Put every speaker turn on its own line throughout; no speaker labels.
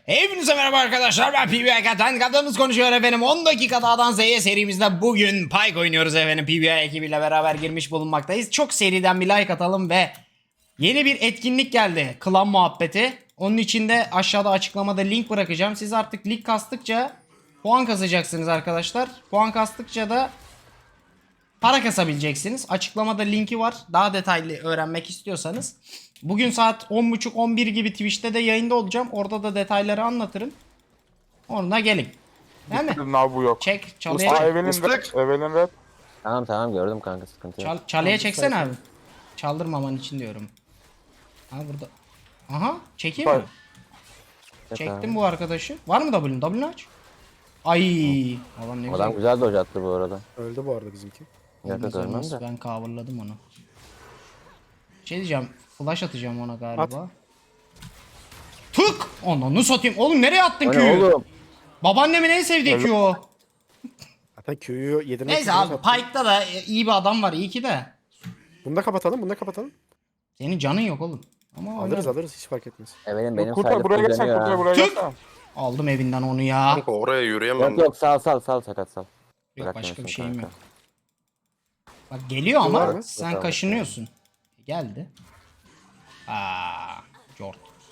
Hepinize merhaba arkadaşlar, ben PBA'dan kadınız konuşuyor efendim. 10 dakika A'dan Z'ye serimizde bugün Pyke oynuyoruz efendim. PBA ekibiyle beraber girmiş bulunmaktayız. Çok seriden bir like atalım ve yeni bir etkinlik geldi. Klan muhabbeti. Onun için de aşağıda açıklamada link bırakacağım. Siz artık lig kastıkça puan kasacaksınız arkadaşlar. Puan kastıkça da para kasabileceksiniz. Açıklamada linki var. Daha detaylı öğrenmek istiyorsanız. Bugün saat 10.30-11 gibi Twitch'te de yayında olacağım. Orada da detayları anlatırım. Onunla gelin. Değil mi?
Abi bu yok.
Çek. Çalıya
Aa,
çek.
Evelyn Red.
Tamam gördüm kanka, sıkıntı yok.
Çalıya çeksene abi. Çaldırmaman için diyorum. Ha burada. Aha. Çekeyim mi?
Hayır.
Çektim bu arkadaşı. Var mı W'un? W'unu aç. Ay. Adam ne
Adam
güzel.
güzel dodge attı bu arada.
Öldü bu arada bizimki.
Yakın
Olmaz,
görmem
olmaz.
de.
Ben coverladım onu. Şey diyeceğim. Flash atacağım ona galiba. Tık! Onu satayım. Oğlum nereye attın
O ne
Q'yu?
oğlum?
Babaannemin en sevdiği Q o.
Zaten Q'yu yedirmek
Neyse
için
abi
yaptım.
Pyke'da da iyi bir adam var. İyi ki de.
Bunu da kapatalım, bunu da kapatalım.
Senin canın yok oğlum. Ama
Alırız hiç fark etmez.
Evelin benim
Kurtar buraya
sayede
geçsen,
dönüyor
kurtar
ha.
buraya
Tık!
geçsen.
aldım evinden onu ya.
Kanka oraya yürüyemem.
Yok sal sakat sal.
Yok başka bir
Bırakmıyorsun
şeyim
kanka.
yok. Bak geliyor
Var
ama
mı?
sen
Yok,
kaşınıyorsun. Geldi. Aa, Jort.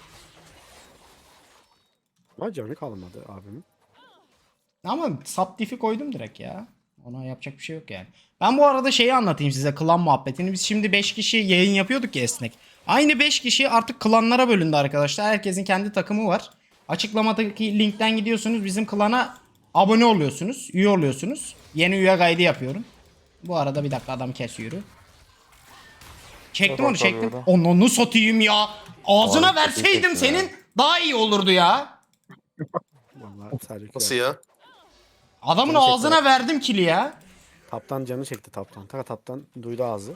Ama canı kalmadı abimin.
Ama sub diff'i koydum direkt ya. Ona yapacak bir şey yok yani. Ben bu arada şeyi anlatayım size, klan muhabbetini. Biz şimdi 5 kişi yayın yapıyorduk ya esnek. Aynı 5 kişi artık klanlara bölündü arkadaşlar. Herkesin kendi takımı var. Açıklamadaki linkten gidiyorsunuz. Bizim klana abone oluyorsunuz. Üye oluyorsunuz. Yeni üye kaydı yapıyorum. Bu arada bir dakika adam kesiyor. Çektim onu çektim. Onu satayım ya. Ağzına
Abi,
verseydim
çok iyi
senin daha iyi olurdu ya.
Vallahi sadece
Nasıl ya?
Adamın
Gerçekten.
ağzına verdim kili ya.
Taptan canı çekti taptan. Taptan duydu ağzı.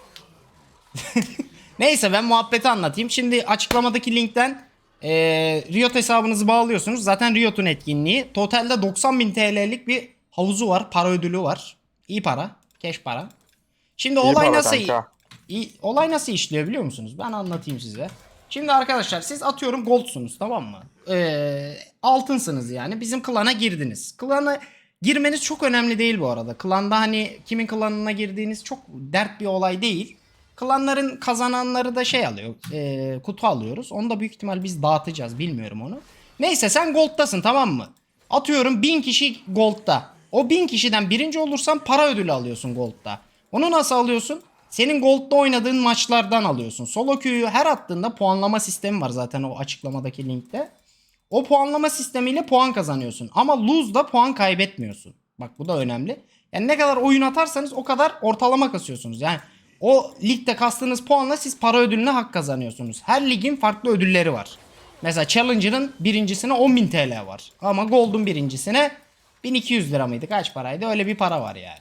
Neyse ben muhabbeti anlatayım. Şimdi açıklamadaki linkten Riot hesabınızı bağlıyorsunuz. Zaten Riot'un etkinliği. Totalde 90.000 TL'lik bir havuzu var. Para ödülü var. İyi para. Keş para. Şimdi
İyi
olay
para
nasıl
kanka.
olay nasıl işliyor biliyor musunuz? Ben anlatayım size. Şimdi arkadaşlar siz atıyorum goldsunuz, tamam mı? Altınsınız yani. Bizim klana girdiniz. Klana girmeniz çok önemli değil bu arada. Klanda hani kimin klanına girdiğiniz çok dert bir olay değil. Klanların kazananları da şey alıyor. Kutu alıyoruz. Onu da büyük ihtimal biz dağıtacağız. Bilmiyorum onu. Neyse sen gold'tasın, tamam mı? Atıyorum 1000 kişi gold'da. O 1000 kişiden birinci olursan para ödülü alıyorsun gold'da. Onu nasıl alıyorsun? Senin gold'da oynadığın maçlardan alıyorsun. Solo queue'yu her attığında puanlama sistemi var zaten o açıklamadaki linkte. O puanlama sistemiyle puan kazanıyorsun. Ama lose'da puan kaybetmiyorsun. Bak bu da önemli. Yani ne kadar oyun atarsanız o kadar ortalama kasıyorsunuz. Yani o ligde kastığınız puanla siz para ödülüne hak kazanıyorsunuz. Her ligin farklı ödülleri var. Mesela Challenger'ın birincisine 10.000 TL var. Ama Gold'un birincisine 1200 lira mıydı? Kaç paraydı? Öyle bir para var yani.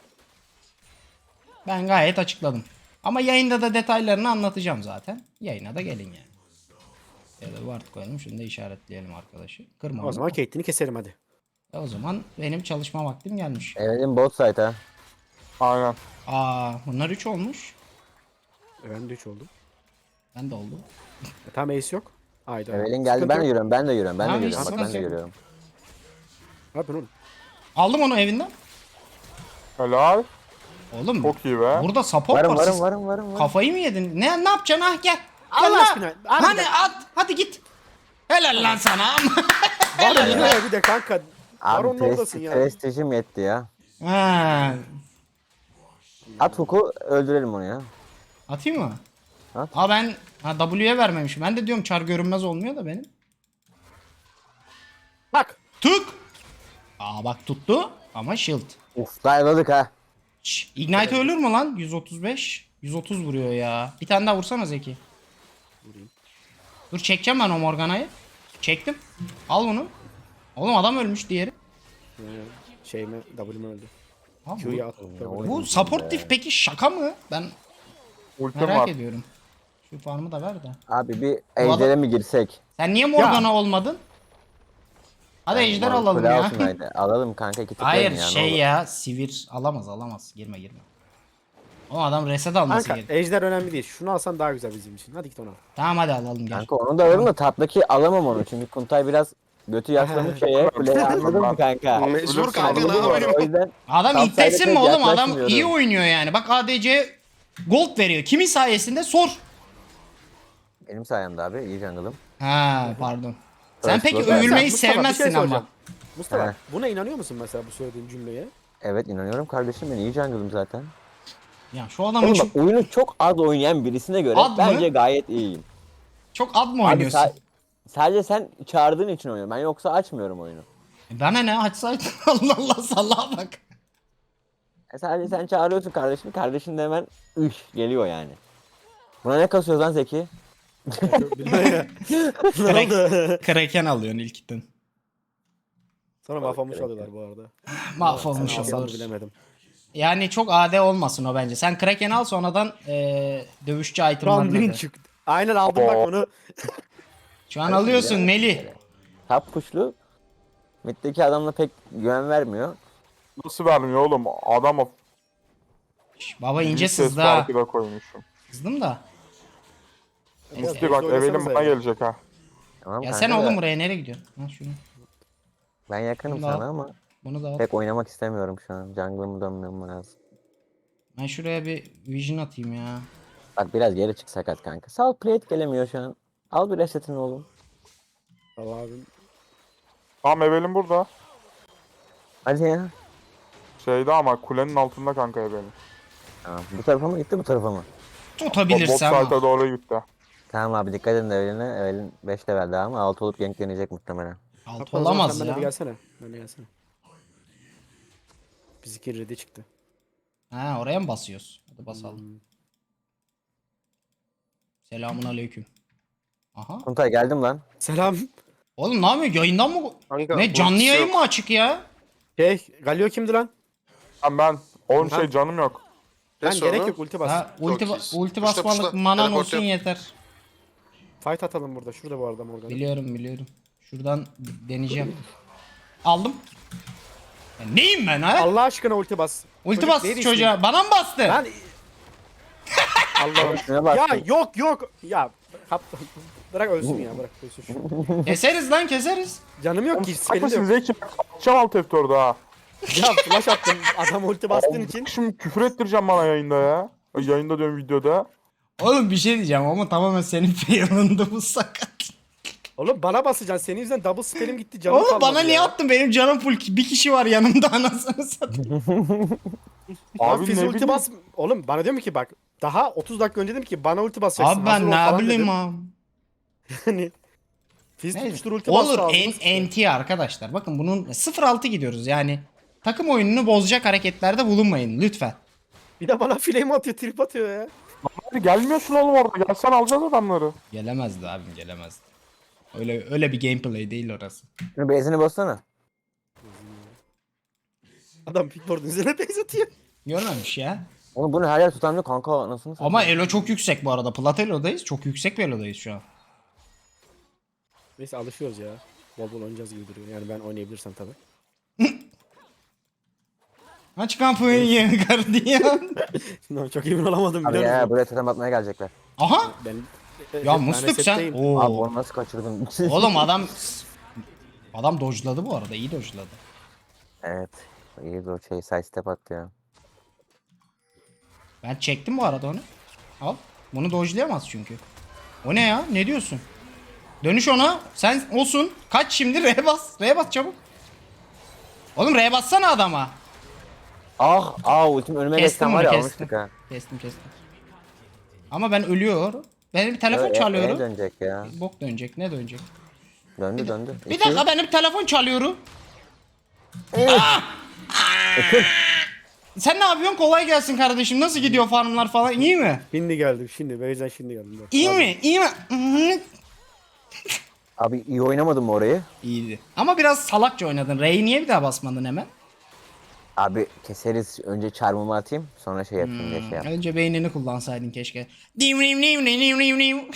Ben gayet açıkladım. Ama yayında da detaylarını anlatacağım zaten. Yayına da gelin yani. Ya da ward koyalım. Şunu da işaretleyelim arkadaşı. Kırma
O
onu.
zaman Caitlyn'i keserim hadi.
O zaman benim çalışma vaktim gelmiş.
Evelin bot site ha.
Aynen.
Bunlar 3 olmuş.
Ben de 3 oldum.
Ben de oldu.
Tamam ace yok. Haydi.
Evelin geldi, ben de yürüyorum.
Tamam,
Bak
sıkıntı
ben de
yok.
yürüyorum.
Abi oğlum.
Aldım onu evinden.
Helal.
Oğlum
Çok iyi be.
burada support var. Siz
Varım.
kafayı mı yedin? Ne yapacaksın? Ah gel. Gel
Allah
lan.
aşkına, harbiden.
Hani at. Hadi git. Helal lan sana.
Var ya bir de kanka.
Abi
Baron'un oradasın ya.
prestijim yetti ya.
Ha.
At huku, öldürelim onu ya.
Atayım mı?
At.
Ben W'ye vermemişim. Ben de diyorum çar görünmez olmuyor da benim.
Bak.
Tık. Bak tuttu ama shield.
Uf, dayaladık ha.
Ignite ölür mü lan? 135. 130 vuruyor ya. Bir tane daha vursana Zeki. Dur çekeceğim ben o Morgana'yı. Çektim. Al bunu. Oğlum adam ölmüş diğeri.
Şeyime W'me öldü.
Abi
Q'yu at.
bu support diff peki şaka mı? Ben
Ultim
merak
var.
ediyorum. Şu farmı da ver de.
Abi bir
adam-
ejder'e mi girsek?
Sen niye Morgana olmadın? Hadi ejder alalım
Kule
ya.
olsun haydi. Alalım kanka, iki tıklayın
Hayır
ya, ne
şey
olur.
ya sivir alamaz. Girme. O adam reset alması
Kanka
gerekiyor.
ejder önemli değil. Şunu alsan daha güzel bizim için. Hadi git onu al.
Tamam hadi alalım gel.
Kanka onu da alırım da taptaki alamam onu. Çünkü Kuntay biraz götü yaslamış şeye. Kuleye anladın mı kanka?
Mecbur kanka ne
Anladın mı?
yapayım?
O yüzden
Adam
Top
iddiasın
side'e
mı
pek
oğlum? Adam
yaklaşmıyorum.
iyi oynuyor yani. Bak ADC gold veriyor. Kimin sayesinde? Sor.
benim sayemde abi iyi jungle'ım.
Ha pardon. Sen
First
peki
blood.
övülmeyi
Mustafa, bir şey
sevmezsin ama.
soracağım. Mustafa
He.
buna inanıyor musun mesela bu söylediğin cümleye?
Evet inanıyorum kardeşim ben iyi jungle'ım zaten.
Ya şu adamın
Oğlum
çok,
bak oyunu çok az oynayan birisine göre
Az mı?
bence gayet iyiyim.
çok ad mı
Abi
oynuyorsun?
sadece sen çağırdığın için oynuyorum. Ben yoksa açmıyorum oyunu.
Bana ne? Açsaydın. Allah Allah sallaha bak.
Sadece sen çağırıyorsun kardeşini. Kardeşin de hemen geliyor yani. Buna ne kasıyoruz lan Zeki?
Bilmem. Ne oldu?
Kraken alıyorsun ilkten.
Sonra mahvolmuş alıyorlar bu arada.
Mahvolmuş
Sen alsan
olur.
bilemedim.
Yani çok AD olmasın o bence. Sen Kraken al sonradan dövüşçü itemlarını
Randin
da.
çıktı. Aynen aldım bak onu.
Şu an alıyorsun Melih.
Top kuşlu. Mid'deki adamla pek güven vermiyor.
Nasıl vermiyor oğlum? Adama
Şş, baba ince
bir ses
sızdı ha.
farkı da koymuşum.
Sızdım da.
Musti bak Evelin bana gelecek ha.
Tamam
Ya
kanka
sen
da
oğlum buraya nereye gidiyorsun? Ha şunu.
Ben yakınım
Bunu da al.
sana ama
Bunu da al.
pek oynamak istemiyorum şu an. Jungle'ımı dönmem lazım.
Ben şuraya bir vision atayım ya.
Bak biraz geri çık sakat kanka. Sağ ol plate gelemiyor şu an. Al bir resetini oğlum.
Tamam abim.
Tamam Evelin burada.
Hadi ya.
Şeyde ama kulenin altında kanka Evelin.
Tamam. Bu tarafa mı gitti bu tarafa mı?
Bot
Tutabilirsem.
site'a doğru gitti.
Tamam abi dikkat edin Evelyn'e. Evelyn 5 level daha ama 6 olup ganklenecek muhtemelen.
Alt
Hatta o zaman
olamaz
sen
ya.
bana bir gelsene. Bana gelsene. Bizimki ready çıktı.
Ha oraya mı basıyoruz? Hadi basalım. Selamun aleyküm. Aha.
Kuntay geldim lan.
Selam.
Oğlum ne yapıyor? Yayından mı?
Kanka,
Ne canlı
ultisi
yayın
yok.
mı açık ya?
Galio kimdi lan?
Ben oğlum
Ha.
şey canım yok.
Ben
sonra?
gerek yok ulti bas.
Ha, ulti,
Çok iyisin.
ulti
Puşla,
basmalık
puşla.
manan
Teleport
olsun
yap.
yeter.
Fight atalım burada. Şurada bu arada Morgan.
Biliyorum. Şuradan deneyeceğim. Aldım. Ya neyim ben ha?
Allah aşkına ulti bas.
Ulti
Çocuk
bastı
neydi
çocuğa. Bana mı bastı?
ismi? Ben... Allah'ım.
Şuna bak.
Ya yok. Ya kaptan. Bırak ölsün ya bırak ölsün şu.
Keseriz lan keseriz.
Canım yok ki. Spelim de
Haklısın
yok.
Zeki. Atacağım alt F4'ü ha.
Ya flash attım. Adam ulti bastığın için.
Şimdi küfür ettireceğim bana yayında ya. Yayında diyorum videoda.
Oğlum bir şey diyeceğim ama tamamen senin fail'ındı bu sakat.
Oğlum bana basacaksın. Senin yüzünden double spelim gitti. Canım
Oğlum
kalmadı
bana niye
ya.
attın? Benim canım full. Bir kişi var yanımda anasını satayım.
Abi
Abi
Fizz
ne
ulti
bileyim.
bas. Oğlum bana diyorum ki bak. Daha 30 dakika önce dedim ki bana ulti basacaksın.
Abi
hazır
ben
ol falan
ne bileyim
dedim.
abi.
Hani Fizz
Neyse.
tutuştur ulti bastı.
Olur
ağzıma sıçtı.
NT arkadaşlar. Bakın bunun 0-6 gidiyoruz yani. Takım oyununu bozacak hareketlerde bulunmayın lütfen.
Bir de bana flame atıyor, trip atıyor ya.
Hadi gelmiyorsun oğlum orada. Gelsen alacağız adamları.
Gelemezdi abim gelemezdi. Öyle bir gameplay değil orası.
Şunu base'ini bassana.
Adam pickboard'un üzerine base atıyor.
Görmemiş ya.
Oğlum bunu her yer tutamıyor kanka nasıl mı?
Ama elo çok yüksek bu arada. Plat elodayız. Çok yüksek bir elodayız şu an.
Neyse alışıyoruz ya. Bol bol oynayacağız gibi duruyor. Yani ben oynayabilirsem tabii.
Aç kapıyı gardiyan.
No, çok emin olamadım
Abi
biliyor
ya
musun?
buraya totem atmaya gelecekler.
Aha.
Ben,
Ya
ben
Musluk sen.
resetteyim.
Abi
Oo.
onu nasıl kaçırdın?
Oğlum adam dodge'ladı bu arada. İyi dodge'ladı.
Evet. İyi de o şey side step attı ya.
Ben çektim bu arada onu. Al. Bunu dodge'layamaz çünkü. O ne ya? Ne diyorsun? Dönüş ona. Sen olsun. Kaç şimdi? R bas. R bas çabuk. Oğlum R bassana adama.
Ultim önüme
Kestim
geçsen
onu
var ya
kestim.
almıştık ha.
Kestim. Ama ben ölüyorum. Benim bir telefon
Neye
çalıyorum.
dönecek ya?
Bok dönecek. Ne dönecek?
Döndü.
Bir dakika benim telefon çalıyorum. Sen ne yapıyorsun? Kolay gelsin kardeşim. Nasıl gidiyor farmlar falan? İyi mi?
Şimdi geldim şimdi. Beyzen şimdi geldim. Dur.
İyi
Abi,
mi? İyi mi? Hı.
Abi iyi oynamadın mı orayı?
İyiydi. Ama biraz salakça oynadın. R'yi niye bir daha basmadın hemen?
Abi keseriz. Önce çarmımı atayım. Sonra şey yapayım diye şey yap.
Önce beynini kullansaydın keşke. Dim dim dim dim dim dim.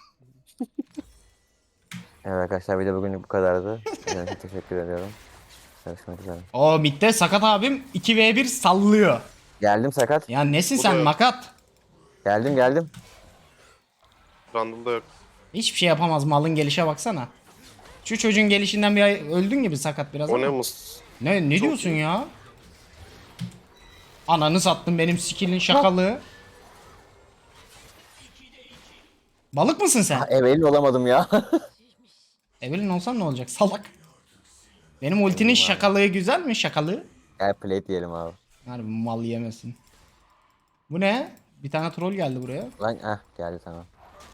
Evet arkadaşlar bir de bugünlük bu kadardı. Size teşekkür ediyorum. Görüşmek üzere.
O midde sakat abim 2v1 sallıyor.
Geldim sakat.
Ya nesin
Bu
sen
da yok.
makat?
Geldim.
Randall'da yok.
Hiçbir şey yapamaz, malın gelişe baksana. Şu çocuğun gelişinden bir ay öldün gibi sakat biraz
O ne
ama.
mus?
Ne
Çok
diyorsun
iyi.
ya? Ananı sattın benim skill'in şakalığı. Balık mısın sen?
Evelin olamadım ya.
Evelyn olsan ne olacak salak? Benim ultinin şakalığı güzel mi şakalığı?
Gel plate diyelim abi.
Harbi mal yemesin. Bu ne? Bir tane troll geldi buraya.
Lan geldi tamam.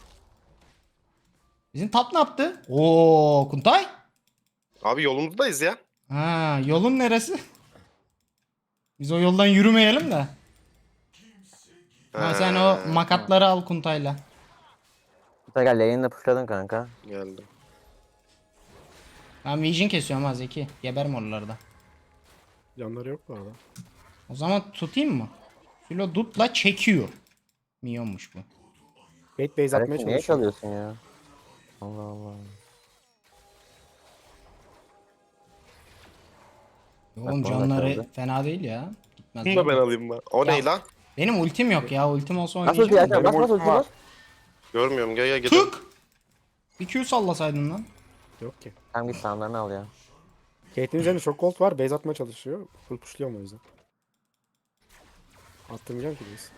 Bizim tap ne yaptı? Oo Kuntay.
Abi yolumuzdayız ya.
Ha yolun neresi? Biz o yoldan yürümeyelim de. Ha, sen o makatları al Kuntay'la.
Hatta gel lane'le pushladın kanka.
Geldim.
Ben vision kesiyorum ha Zeki. Geberim oralarda.
Yanları yok bu arada.
O zaman tutayım mı? Filo dutla çekiyor. Milyonmuş bu.
Bait base atmaya
Kardeşim niye
çalışıyor.
çalıyorsun ya? Allah Allah.
Oğlum
Bak, bana
canları
kaldı.
fena değil ya. Gitmez.
Bunu da ben alayım ben. O
Ya.
ne lan?
Benim ultim yok ya. Ultim olsa
Nasıl ulti
oynayacağım.
Erkan?
da.
Bas
ultim
ulti
var.
bas.
Görmüyorum gel gidelim.
Tık! Bir Q sallasaydın lan.
Yok ki.
Tamam git sandalını al ya.
Kate'in üzerinde çok gold var. Base atmaya çalışıyor. Full pushluyorum o yüzden. Attırmayacağım ki base.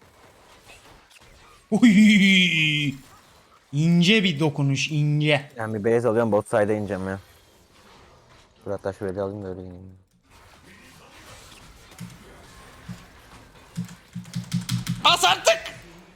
Uy! İnce bir dokunuş ince.
Ben bir base alıyorum bot side'a ineceğim ya. Dur hatta şöyle alayım da öyle ineyim.
Bas artık!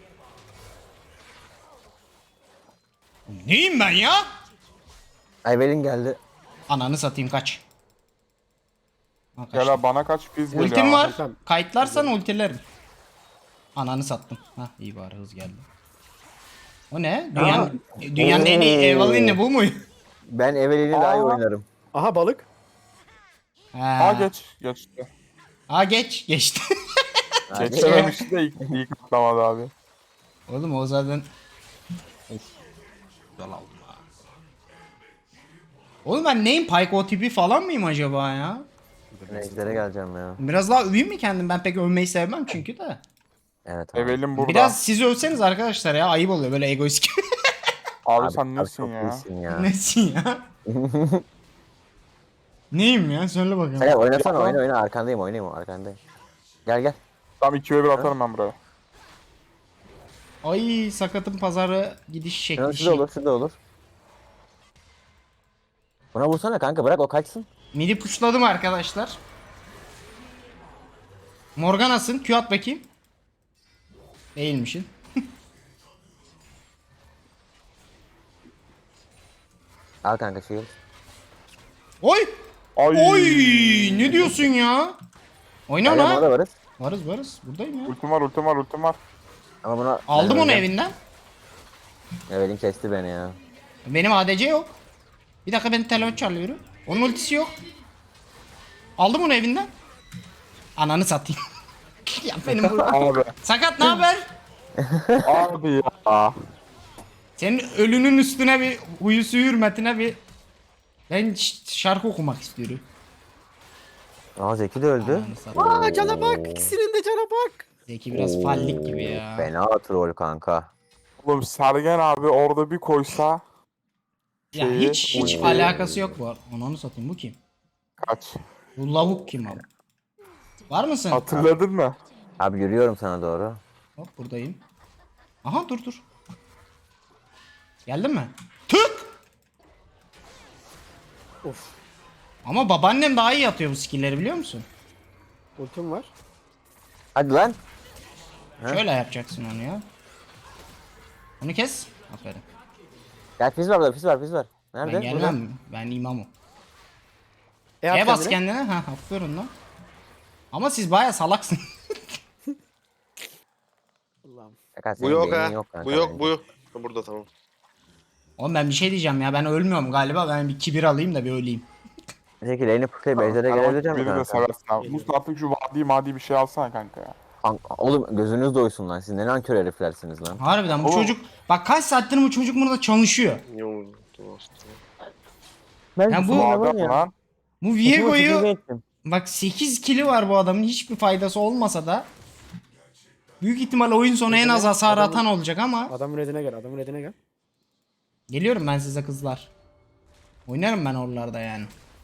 Neyim ben ya?
Evelin geldi.
Ananı satayım kaç. Ha, kaçtı.
Gel abi bana kaç biz geliyor.
Ultim
abi.
var.
Tamam.
Kayıtlarsan ultilerim. Ananı sattım. Hah iyi bari hız geldi. O ne? Dünyanın en iyi Evelyn'i bu mu?
Ben Evelin'i daha iyi
Aa.
oynarım.
Aha balık.
Aa
Ha.
geçti.
Ha geçti.
Geçememişti de ilk atlamadı abi.
Oğlum o zaten... Of. Güzel aldım ha. Oğlum ben neyim? Pyke tipi falan mıyım acaba ya?
Ejder'e geleceğim ya.
Biraz daha öveyim mi kendim? Ben pek övmeyi sevmem çünkü de.
Evet abi.
Evelin burada.
Biraz siz övseniz arkadaşlar ya. Ayıp oluyor böyle egoist gibi.
Abi, sen nesin
çok
ya?
iyisin ya.
Nesin ya? Neyim ya? Söyle bakalım.
Sen oynasana
Ya.
oyna arkandayım oynayayım arkandayım. Gel.
Tam 2'ye 1 atarım ben buraya.
Ay sakatın pazarı gidiş şekli.
Şurada olur. Buna vursana kanka bırak o kaçsın.
Midi puşladım arkadaşlar. Morgana'sın. Q at bakayım. Değilmişin.
Al kanka shield.
Oy!
Ay.
Oy! Ne diyorsun ya? Oyna
Gel orada
ona.
varız.
Varız. Buradayım ya.
Ultim var.
Ama buna...
Aldım
ben
onu
öleceğim.
evinden.
Evelin kesti beni ya.
Benim ADC yok. Bir dakika benim telefon çalıyor. Onun ultisi yok. Aldım onu evinden. Ananı satayım. Ya benim bu...
Abi.
Sakat ne haber?
Abi ya.
Senin ölünün üstüne bir huyusu hürmetine bir ben şarkı okumak istiyorum.
Aa Zeki de öldü.
Ananı satayım.
Aa cana bak. İkisinin de cana bak.
Zeki biraz fallik gibi ya.
Fena troll kanka.
Oğlum Sergen abi orada bir koysa
Ya
şeyi-
hiç
Oo.
alakası yok bu. Ananı satayım bu kim?
kaç.
Bu lavuk kim abi? Var mısın?
Hatırladın mı?
Abi yürüyorum sana doğru.
Hop buradayım. Aha dur. Geldin mi? Tık!
Of.
Ama babaannem daha iyi atıyor bu skill'leri biliyor musun?
Ultim var.
Hadi lan. Ha?
Şöyle yapacaksın onu ya. Onu kes. Aferin.
Gel fiz var burada fiz var. Nerede?
Ben gelmem. Ben imamım.
At
E bas
kendine.
kendine. Ha aferin lan. Ama siz baya salaksın.
Allah'ım.
Kanka,
Bu
senin
yok
beynin
ha.
yok kanka
Bu yok
bence.
bu yok. Ha, burada tamam.
Oğlum ben bir şey diyeceğim ya. Ben ölmüyorum galiba. Ben bir kibir alayım da bir öleyim.
Zeki lane'i pushlayıp ejder'e gelebilecek misin
Beni de
kanka?
seversin abi. Mustafa artık şu vadi bir şey alsana kanka ya.
Oğlum gözünüz doysun lan. Siz ne nankör heriflersiniz lan.
Harbiden bu
Oğlum.
çocuk. Bak kaç saattir bu çocuk burada çalışıyor.
Niye oldu aslında?
Ben
Ya bu-
Vadi lan.
Bu Viego'yu Bak 8 kili var bu adamın, hiçbir faydası olmasa da. Büyük ihtimal oyun sonu en az hasar atan olacak ama.
Adamın redine gel. Adamın redine gel.
Geliyorum ben size kızlar. Oynarım ben oralarda yani.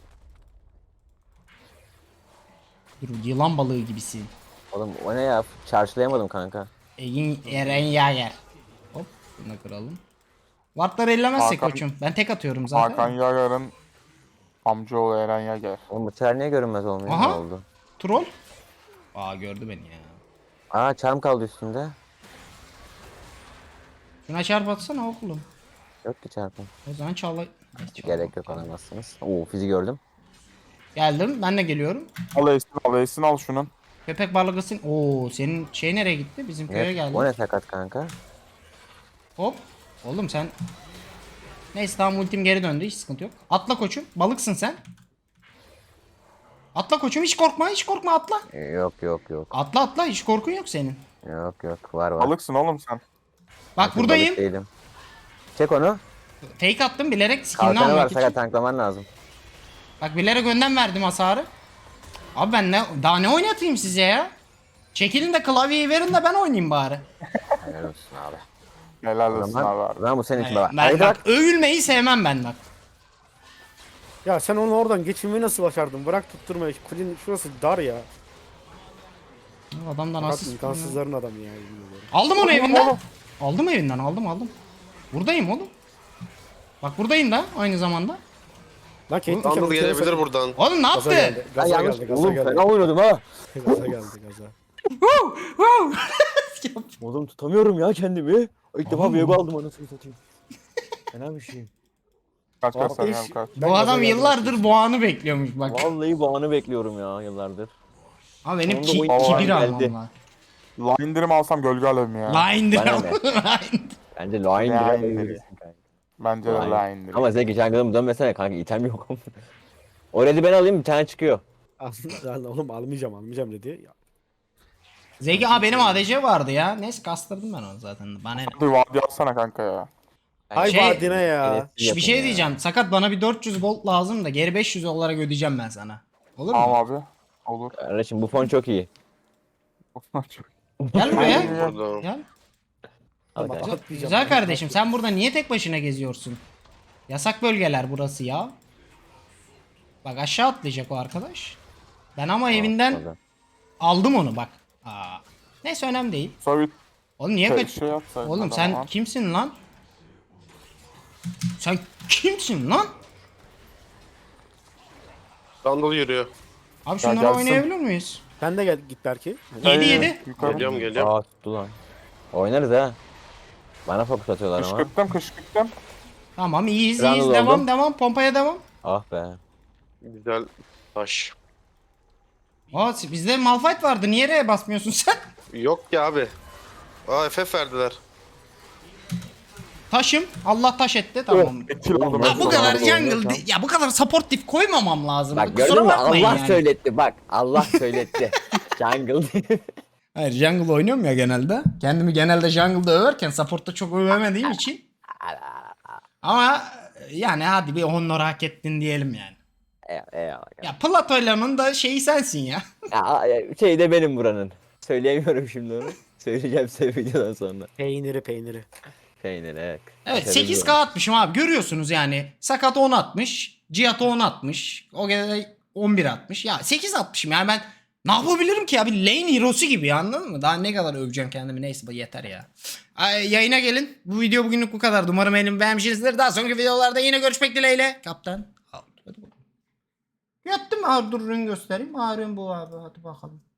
Dur, yılan balığı gibisin.
Oğlum o ne ya? Çarşılayamadım kanka.
Eren Yager. Hop bunu kıralım. Wardları ellemezsek
Hakan-
koçum. Ben tek atıyorum zaten.
Hakan Yager'in amcaoğlu Eren Yager.
Oğlum bu sefer niye görünmez olmuyor?
Aha.
Ne oldu?
Troll. Aa, gördü beni ya.
Aa charm kaldı üstünde.
Şuna çarp atsana oğlum.
Yok ki çarpım.
O zaman çağla...
Gerek yok alamazsınız. Oo fizi gördüm.
Geldim, ben de geliyorum.
Al Esin al şunun.
Köpek balıkısın. Oo, senin şey nereye gitti? Bizim köye
Ne?
geldi.
O ne sakat kanka?
Hop. Oğlum sen... Neyse tamam, ultim geri döndü, hiç sıkıntı yok. Atla koçum, balıksın sen. Atla koçum, hiç korkma, hiç korkma, atla.
Yok yok yok.
Atla atla, hiç korkun yok senin.
Yok yok var var.
Balıksın oğlum sen.
Bak
Bakın,
buradayım.
balık değilim. Çek onu.
Fake attım bilerek, skinini
Kalkanı var
almak için.
sakat tanklaman lazım.
Bak bilerek önden verdim hasarı. Abi ben daha ne oynatayım size ya? Çekilin de klavyeyi verin de ben oynayayım bari.
Helal olsun abi.
Helal
O
olsun
zaman,
abi.
o zaman bu senin için baba.
Ben
Haydi
bak
bak.
övülmeyi sevmem ben bak.
Ya sen onu oradan geçirmeyi nasıl başardın? Bırak tutturmayı. Kulin şurası dar ya.
Adamdan
Fakat
asist.
imkansızların adamı ya. yemin ediyorum.
Aldım onu evinden. Aldım evinden, aldım. Buradayım oğlum. Bak buradayım da aynı zamanda.
Lan Caitlyn
Randall
ultiye
gelebilir
sakın-
buradan.
Oğlum ne
Gaza
yaptı?
geldi.
Ya
Gaza
yanlış.
geldi. Gaza
Oğlum
geldi.
fena oynuyordum ha.
Gaza geldi. Gaza.
Oğlum tutamıyorum ya kendimi. İlk defa Viego aldım anasını satayım. Fena bir şey.
Kaç kaç
Abi,
sen
iş-
kaç.
Ben
Bu
gaza
adam
geldim.
yıllardır bu anı bekliyormuş bak.
Vallahi bu anı bekliyorum ya yıllardır.
Ama benim
Sonunda oyun
kibir
geldi.
almam var.
La indirim alsam gölge alevim ya.
Line'dir
Bana
ama.
ne? Bence line
Line
biraz
dedi.
verirsin kanka.
Bence de la indirim.
Ama Zeki jungle'ım dönmesene kanka item yok. O red'i ben alayım bir tane çıkıyor.
Aslında oğlum almayacağım dedi. Ya,
Zeki benim ADC vardı ya. Neyse kastırdım ben onu zaten. Bana ne?
Bir vadi alsana kanka ya.
Ay
Şey-
vadine ya.
Bir şey diyeceğim. Sakat bana bir 400 gold lazım da geri 500 olarak ödeyeceğim ben sana. Olur mu?
Tamam abi. Olur.
Kardeşim bu fon çok iyi.
Gel buraya.
Burada.
Gel.
Al kanka.
Atlayacağım.
Güzel kardeşim, sen burada niye tek başına geziyorsun? Yasak bölgeler burası ya. Bak aşağı atlayacak o arkadaş. Ben ama evinden
Orada.
aldım onu bak. Aa. Neyse önemli değil.
Sonra
Oğlum niye
bir
kaç...
şey atsaydın
Oğlum
o
sen
zaman.
kimsin lan? Sen kimsin lan?
Randall yürüyor.
Abi şunları
gelsin.
oynayabilir miyiz?
Sen de gel git belki.
7-7.
Yukarı.
Geliyorum.
Aa tuttu lan. Oynarız ha. Bana fokus atıyorlar ama.
Kışkırttım.
Tamam iyiyiz
Randall
iyiyiz.
oldu.
Devam pompaya devam.
Ah be.
Güzel taş.
Aa bizde Malphite vardı. Niye R'ye basmıyorsun sen?
Yok ya abi. Aa FF verdiler.
Taşım. Allah taş etti. Tamam.
Kill aldım.
Ya bu kadar
Tamam,
jungle
tamam.
ya bu kadar supportif koymamam lazım.
Bak
Kusura
gördün mü
bakmayın
Allah
yani.
söyletti bak. Allah söyletti. Jungle.
Hayır jungle oynuyorum ya genelde. Kendimi genelde jungle'da överken support'ta çok övemediğim için. Ama yani hadi bir honor hak ettin diyelim yani.
Eyvallah.
Ya Plato'ylanın da şeyi sensin ya.
Ya, şey de benim buranın. Söyleyemiyorum şimdi onu. Söyleyeceğim size videodan sonra.
Peyniri.
Peynir evet.
Evet
Aferin
8k
diyorum.
atmışım abi, görüyorsunuz yani. Sakat 10 atmış. Cihat 10 atmış. O gene 11 atmış. Ya 8 atmışım yani, ben ne yapabilirim ki ya, bir lane hero'su gibi ya, anladın mı? Daha ne kadar öveceğim kendimi, neyse yeter ya. Yayına gelin. Bu video bugünlük bu kadar. Umarım beğenip beğenmişsinizdir. Daha sonraki videolarda yine görüşmek dileğiyle. Kaptan. Hadi bakalım. Yattım mı? Dur ürün göstereyim. Ürün bu abi. Hadi bakalım.